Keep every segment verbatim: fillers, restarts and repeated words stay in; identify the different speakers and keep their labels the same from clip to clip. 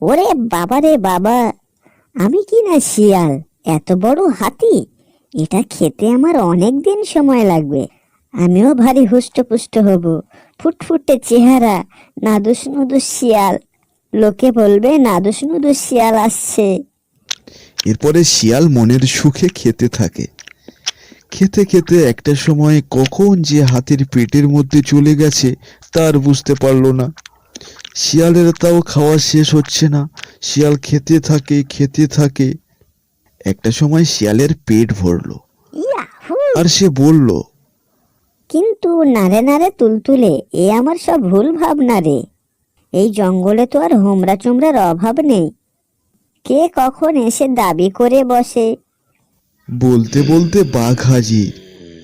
Speaker 1: ওরে বাবা রে বাবা, আমি কি না শিয়াল, এত বড় হাতি! এটা খেতে আমার অনেক দিন সময় লাগবে। আমিও ভারী হুষ্টপুষ্ট হব, ফুটফুটে চেহারা, নাদুস নুদুস শিয়াল। লোকে বলবে নাদুস নুদুস শিয়াল আসছে।
Speaker 2: এরপরে শিয়াল মনের সুখে খেতে থাকে। খেতে খেতে একটা সময় কখন যে হাতির পেটের মধ্যে চলে গেছে তার বুঝতে পারল না। শিয়ালের তাও খাওয়া শেষ হচ্ছে না। শিয়াল খেতে থাকে খেতে থাকে। একটা সময় শিয়ালের পেট ভরলো
Speaker 1: ইয়াহু!
Speaker 2: আর সে বলল,
Speaker 1: কিন্তু নারে নারে তুলতুলে, এ আমার সব ভুল ভাবনা রে। এই জঙ্গলে তো আর হোমরা চোমরার অভাব নেই। কে কখন এসে দাবি করে বসে।
Speaker 2: বলতে বলতে বাঘ হাজির।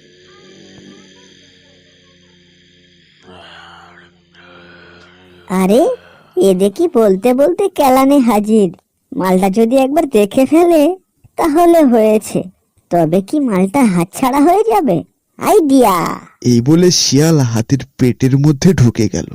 Speaker 1: আরে, এ দেখি বলতে বলতে কেলানে হাজির। মালটা যদি একবার দেখে ফেলে তাহলে হয়েছে। তবে কি মালটা হাতছাড়া হয়ে যাবে? আইডিয়া!
Speaker 2: এই বলে শিয়াল হাতির পেটের মধ্যে ঢুকে গেল।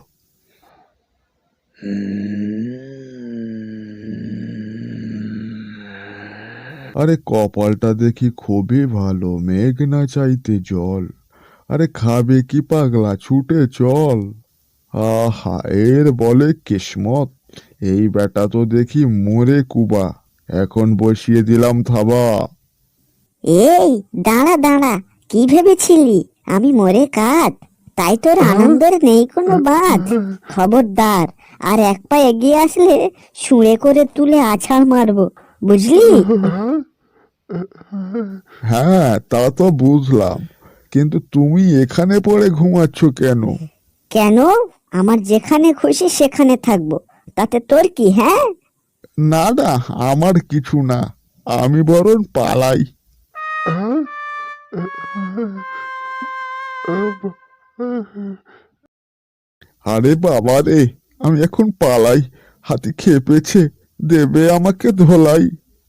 Speaker 3: আরে কপালটা দেখি খুবই ভালো, মেঘ না চাইতে জল। আরে খাবে কি পাগলা, ছুটে চল। আহা, এর বলে কিসমত। এই বেটা তো দেখি মোরে কুবা, এখন বসিয়ে দিলাম থাবা।
Speaker 1: এই দাঁড়া দাঁড়া, কি ভেবেছিলি আমি মরে কাঠ? তাই তোর আনন্দের নেই কোনো বাদ? খবরদার, আর এক পা এগিয়ে আসলে শুঁড়ে করে তুলে আছাড় মারবো, বুঝলি?
Speaker 3: হ্যাঁ, তা তো বুঝলাম, কিন্তু তুমি এখানে পড়ে ঘুমাচ্ছ কেন?
Speaker 1: কেন? আমার যেখানে খুশি সেখানে থাকবো, তাতে তোর কি? হ্যাঁ,
Speaker 3: না না, আমার কিছু না, আমি বরং পালাই। আরে বাবা রে, আমি এখন পালাই। হাতি খেপেছে, দেবে আমাকে ধোলাই।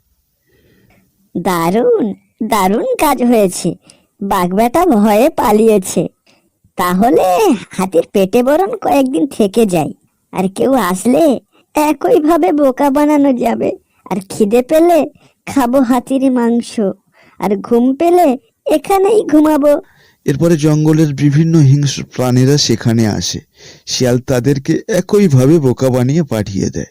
Speaker 1: দারুণ দারুণ কাজ হয়েছে। বাঘবেটা ভয়ে পালিয়েছে। তাহলে হাতির পেটে বরং কয়েকদিন থেকে যাই। আর কেউ আসলে একইভাবে বোকা বানানো যাবে। আর খিদে পেলে খাবো হাতির মাংস, আর ঘুম পেলে এখানেই ঘুমাবো।
Speaker 2: এরপরে জঙ্গলের বিভিন্ন হিংস্র প্রাণীরা সেখানে আসে। শিয়াল তাদেরকে একইভাবে বোকা বানিয়ে পাঠিয়ে দেয়।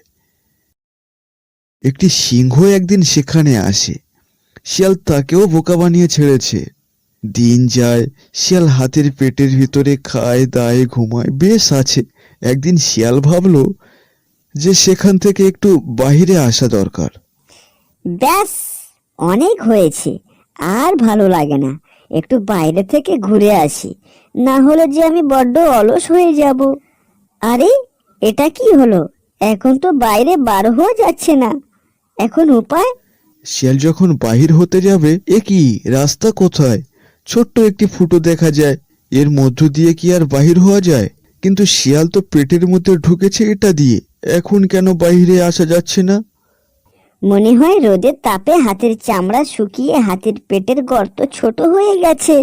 Speaker 2: একটি সিংহ একদিন সেখানে আসে। শিয়াল তাকেও বোকা বানিয়ে ছেড়েছে। দিন যায়, শিয়াল হাতির পেটের ভিতরে খায় দায় ঘুমায়, বেশ আছে। একদিন শিয়াল ভাবলো যে সেখান থেকে একটু বাহিরে আসা দরকার।
Speaker 1: ব্যাস, অনেক হয়েছে, আর ভালো লাগে না। একটু বাইরে থেকে ঘুরে আসি, না হলে যে আমি বড্ড অলস হয়ে যাব। আরে, এটা কি হলো? এখন তো বাইরে বার হওয়া যাচ্ছে না। এখন উপায়?
Speaker 2: শিয়াল যখন বাহির হতে যাবে, এ কি, রাস্তা কোথায়? ছোট্ট একটি ফুটো দেখা যায়। এর মধ্য দিয়ে কি আর বাহির হওয়া যায়? কিন্তু শিয়াল তো পেটের মধ্যে ঢুকেছে এটা দিয়ে, এখন কেন বাইরে আসা যাচ্ছে না?
Speaker 1: মনে হয় রোদের তাপে হাতের চামড়া শুকিয়ে হাতের পেটের গর্ত ছোট হয়ে গেছে।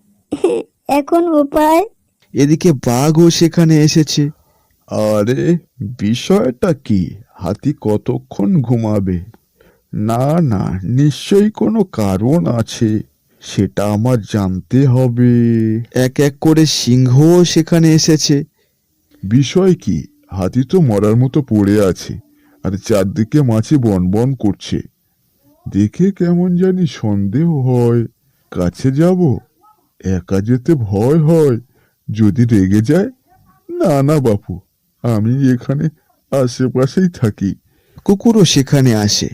Speaker 1: এখন উপায়?
Speaker 2: এদিকে বাঘও সেখানে এসেছে।
Speaker 3: আরে, বিষয়টা কি? হাতি কতক্ষণ ঘুমাবে? না না, নিশ্চয়ই কোনো কারণ আছে, সেটা আমার জানতে হবে।
Speaker 2: এক এক করে সিংহও সেখানে এসেছে।
Speaker 3: বিষয় কি? হাতি তো মরার মতো পড়ে আছে, আর চারদিকে মাছি বন বন করছে। দেখে কেমন জানি সন্দেহ হয়। কাছে যাব? একা যেতে ভয় হয়, যদি রেগে যায়। না না বাপু, আমি এখানে আশেপাশেই থাকি।
Speaker 2: কুকুরও সেখানে আসে।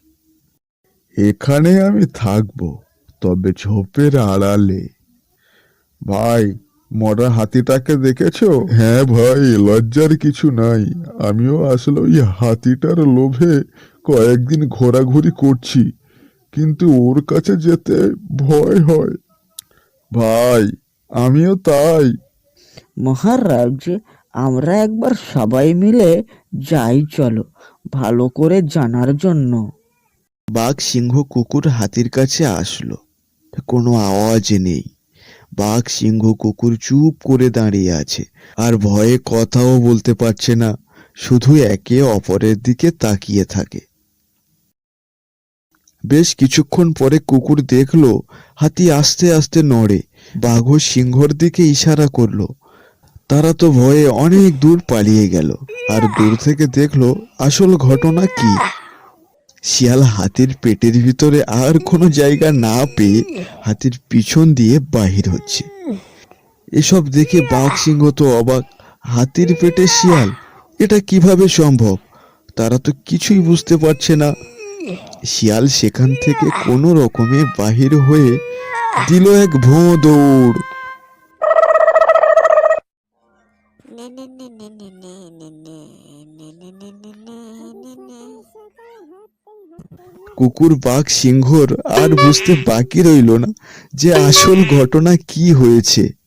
Speaker 3: এখানে আমি থাকবো, তবে ঝোপের আড়ালে। ভাই, মরা হাতিটাকে দেখেছো? হ্যাঁ ভাই, লজ্জার কিছু নাই। আমিও আসলে ওই হাতিটার লোভে কয়েকদিন ঘোরাঘুরি করছি, কিন্তু ওর কাছে যেতে ভয় হয়। ভাই, আমিও তাই।
Speaker 4: মহারাজ, আমরা একবার সবাই মিলে যাই, চলো, ভালো করে জানার জন্য।
Speaker 2: বাঘ, সিংহ, কুকুর হাতির কাছে আসলো। কোনো আওয়াজ নেই। বাঘ, সিংহ, কুকুর চুপ করে দাঁড়িয়ে আছে, আর ভয়ে কথাও বলতে পারছে না। শুধু একে অপরের দিকে তাকিয়ে থাকে। বেশ কিছুক্ষণ পরে কুকুর দেখলো হাতি আস্তে আস্তে নড়ে। বাঘ সিংহর দিকে ইশারা করলো। তারা তো ভয়ে অনেক দূর পালিয়ে গেল। আর দূর থেকে দেখলো আসল ঘটনা কি। শিয়াল হাতির পেটের ভিতরে আর কোনো জায়গা না পেয়ে হাতির পিছন দিয়ে বাহির হচ্ছে। এসব দেখে বাঘ সিংহ তো অবাক। হাতির পেটে শিয়াল, এটা কিভাবে সম্ভব? তারা তো কিছুই বুঝতে পারছে না। শিয়াল সেখান থেকে কোনো রকমে বাহির হয়ে দিল এক ভোঁ দৌড়। কুকুর বাঘ সিংহর আর বুঝতে বাকি রইল না যে আসল ঘটনা কি হয়েছে।